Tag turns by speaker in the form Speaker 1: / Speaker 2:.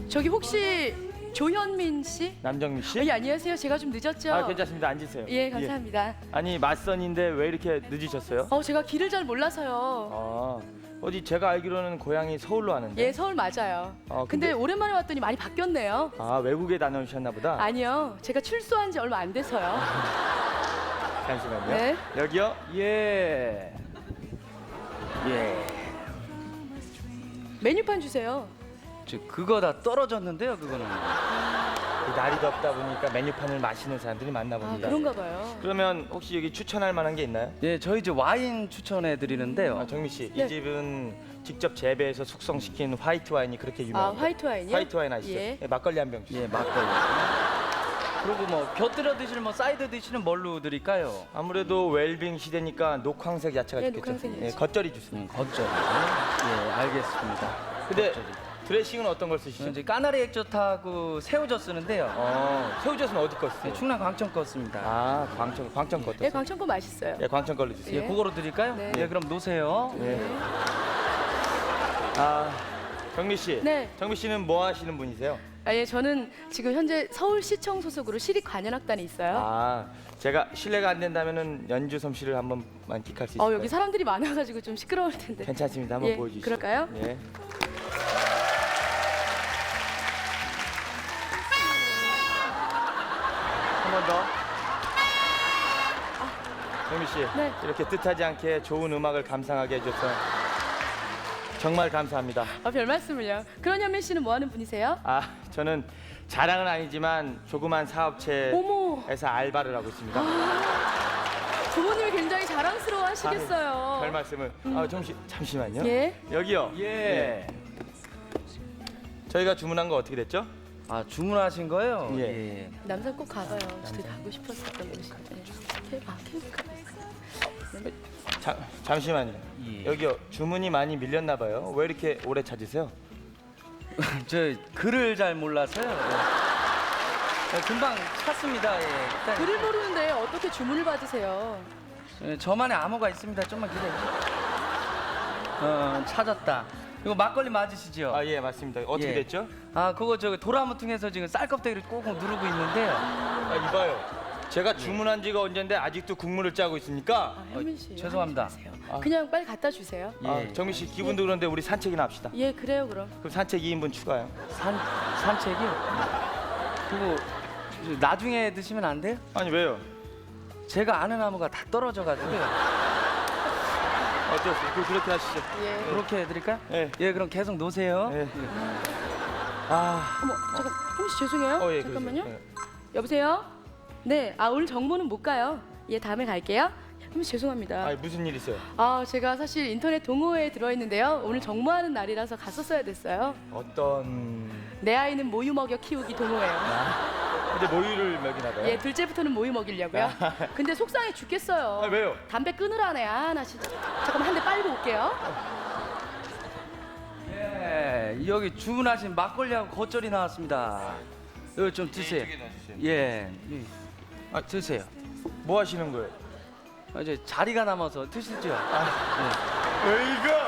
Speaker 1: 저기 혹시 조현민 씨?
Speaker 2: 남정미 씨?
Speaker 1: 예, 안녕하세요. 제가 좀 늦었죠?
Speaker 2: 아, 괜찮습니다. 앉으세요.
Speaker 1: 예, 감사합니다.
Speaker 2: 아니, 맞선인데 왜 이렇게 늦으셨어요?
Speaker 1: 제가 길을 잘 몰라서요.
Speaker 2: 어디 제가 알기로는 고향이 서울로 아는데.
Speaker 1: 예, 서울 맞아요. 근데 오랜만에 왔더니 많이 바뀌었네요.
Speaker 2: 외국에 다녀오셨나 보다.
Speaker 1: 아니요, 제가 출소한 지 얼마 안 돼서요.
Speaker 2: 잠시만요.
Speaker 1: 네.
Speaker 2: 여기요?
Speaker 3: 예.
Speaker 1: 메뉴판 주세요.
Speaker 3: 그거 다 떨어졌는데요, 그거는.
Speaker 2: 날이 덥다 보니까 메뉴판을 마시는 사람들이 많나 봅니다.
Speaker 1: 그런가 봐요.
Speaker 2: 그러면 혹시 여기 추천할 만한 게 있나요?
Speaker 3: 예, 저희 이제 와인 추천해 드리는데요.
Speaker 2: 정미 씨,
Speaker 1: 네.
Speaker 2: 이 집은 직접 재배해서 숙성시킨 화이트 와인이 그렇게 유명합니다.
Speaker 1: 화이트 와인이요?
Speaker 2: 화이트 와인 아시죠?
Speaker 1: 예.
Speaker 2: 막걸리 한 병 주세요.
Speaker 3: 예, 막걸리. 그리고 뭐 곁들여 드실 뭐 사이드 디시는 뭘로 드릴까요?
Speaker 2: 아무래도 웰빙 시대니까 녹황색 야채가
Speaker 1: 네,
Speaker 2: 좋겠죠.
Speaker 1: 녹황색 야채.
Speaker 2: 겉절이 주세요.
Speaker 3: 겉절이. 예, 알겠습니다.
Speaker 2: 근데
Speaker 3: 겉절이.
Speaker 2: 드레싱은 어떤 걸 쓰시죠?
Speaker 3: 이제 까나리 액젓하고 새우젓 쓰는데요.
Speaker 2: 새우젓은 어디 거 쓰세요?
Speaker 3: 예, 충남 광천 거 씁니다.
Speaker 2: 광천 거.
Speaker 1: 예, 광천거 맛있어요.
Speaker 2: 예, 광천 걸로 주세요.
Speaker 3: 예, 그거로 드릴까요?
Speaker 1: 네.
Speaker 3: 예, 그럼 놓으세요.
Speaker 2: 예. 정미 씨.
Speaker 1: 네.
Speaker 2: 정미 씨는 뭐 하시는 분이세요?
Speaker 1: 예, 저는 지금 현재 서울시청 소속으로 시립관현악단에 있어요.
Speaker 2: 제가 실례가 안 된다면은 연주 솜씨를 한번 만끽할 수 있을까요?
Speaker 1: 여기 사람들이 많아가지고 좀 시끄러울 텐데.
Speaker 2: 괜찮습니다. 한번
Speaker 1: 예,
Speaker 2: 보여주시죠.
Speaker 1: 그럴까요?
Speaker 2: 예. 한 번 더. 정미 씨,
Speaker 1: 네.
Speaker 2: 이렇게 뜻하지 않게 좋은 음악을 감상하게 해줘서 정말 감사합니다.
Speaker 1: 별 말씀을요. 그런 현민 씨는 뭐 하는 분이세요?
Speaker 2: 저는 자랑은 아니지만 조그만 사업체에서
Speaker 1: 어머.
Speaker 2: 알바를 하고 있습니다.
Speaker 1: 부모님이 굉장히 자랑스러워 하시겠어요.
Speaker 2: 별 말씀을. 잠시만요.
Speaker 1: 예?
Speaker 2: 여기요.
Speaker 3: 예.
Speaker 2: 저희가 주문한 거 어떻게 됐죠?
Speaker 3: 주문하신 거요?
Speaker 2: 예.
Speaker 1: 남산 꼭 가봐요. 저도 가고 싶었었던 곳인데. 케이블카.
Speaker 2: 잠시만요.
Speaker 3: 예.
Speaker 2: 여기요. 주문이 많이 밀렸나 봐요. 왜 이렇게 오래 찾으세요?
Speaker 3: 저 글을 잘 몰라서요. 예, 금방 찾습니다. 예. 일단
Speaker 1: 글을 모르는데 어떻게 주문을 받으세요?
Speaker 3: 저만의 암호가 있습니다. 좀만 기다려. 찾았다. 이거 막걸리 맞으시죠?
Speaker 2: 예, 맞습니다. 어떻게
Speaker 3: 예.
Speaker 2: 됐죠?
Speaker 3: 그거 도라무통에서 지금 쌀껍데기를 꾹꾹 누르고 있는데요.
Speaker 2: 이봐요. 제가 주문한 지가 언젠데 아직도 국물을 짜고 있으니까.
Speaker 1: 현민 씨.
Speaker 3: 죄송합니다.
Speaker 1: 하지 마세요. 그냥 빨리 갖다 주세요.
Speaker 3: 예.
Speaker 2: 정미 씨 기분도 그런데 우리 산책이나 합시다.
Speaker 1: 예, 그래요 그럼.
Speaker 2: 그럼 산책 2인분 추가요.
Speaker 3: 산책이요? 그거 나중에 드시면 안 돼요?
Speaker 2: 아니 왜요?
Speaker 3: 제가 아는 암호가 다 떨어져가지고요.
Speaker 2: 어쩌세요? 그렇게 하시죠.
Speaker 1: 예.
Speaker 3: 그렇게 해드릴까요?
Speaker 2: 예.
Speaker 3: 예, 그럼 계속 놓으세요.
Speaker 2: 예.
Speaker 1: 어머, 잠깐. 현민 씨 죄송해요.
Speaker 2: 예,
Speaker 1: 잠깐만요.
Speaker 2: 그러세요.
Speaker 1: 여보세요? 네. 오늘 정모는 못 가요. 예, 다음에 갈게요. 현민 씨 죄송합니다.
Speaker 2: 무슨 일 있어요?
Speaker 1: 제가 사실 인터넷 동호회에 들어있는데요. 오늘 정모하는 날이라서 갔었어야 됐어요.
Speaker 2: 어떤?
Speaker 1: 내 아이는 모유 먹여 키우기 동호회요.
Speaker 2: 근데 모유를 먹이나 봐요.
Speaker 1: 예, 둘째부터는 모유 먹이려고요. 근데 속상해 죽겠어요.
Speaker 2: 왜요?
Speaker 1: 담배 끊으라네. 나 진짜. 잠깐만 한 대 빨고 올게요.
Speaker 3: 예, 여기 주문하신 막걸리하고 겉절이 나왔습니다. 이거 좀 드세요. 예, 드세요.
Speaker 2: 뭐 하시는 거예요?
Speaker 3: 이제 자리가 남아서 드시죠.
Speaker 2: 왜 이거?